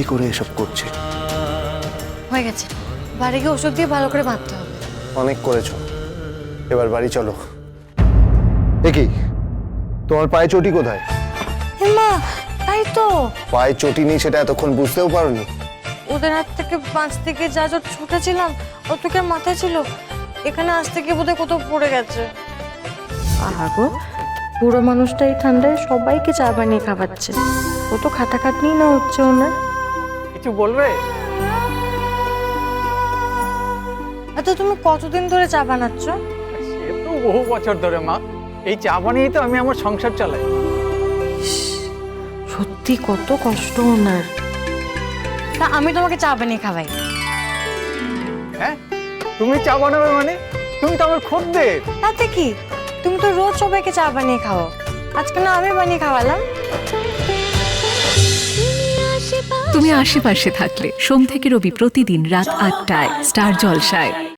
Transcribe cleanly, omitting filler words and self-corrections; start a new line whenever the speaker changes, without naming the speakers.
কি করে এসব করছে।
হয়ে গেছে, বাড়ি গিয়ে ওষুধ দিয়ে ভালো করে বাঁধতে হবে।
অনেক করেছো, এবার বাড়ি চলো। দেখি তোমার পায়ে চটি কোথায়?
মা, তাই তো
পায়ে চটি নেই সেটা এতক্ষণ বুঝতেও পারোনি?
ওদের হাত থেকে বাঁচতে গিয়ে যা যা ছুটেছিলাম ও তোকে মাথায় ছিল, এখানে আসতে গিয়ে বোধহয় কোথাও পড়ে গেছে। আহা গো, পুরো মানুষটা এই ঠান্ডায় সবাইকে চা বানিয়ে খাওয়াচ্ছে। ও তো খাটাখাটনি না হচ্ছে ওনার।
কিছু বলবে?
আচ্ছা, তুমি কতদিন ধরে চা বানাচ্ছ?
সে তো বহু বছর ধরে মা, এই চা বানিয়েই তো আমি আমার সংসার চালাই।
সত্যি কত কষ্ট ওনার। তা আমি তোমাকে চা বানিয়ে খাওয়াই।
হ্যাঁ, তুমি চা বানাবে মানে? তুমি তো আমার খদ্দের।
তাতে কি, তুমি তো রোজ সবাইকে চা বানিয়ে খাও, আজকে না আমি বানিয়ে খাওয়ালাম।
তুমি আশেপাশে থাকলে সোম থেকে রবি প্রতিদিন রাত ৮টায় স্টার জলসায়।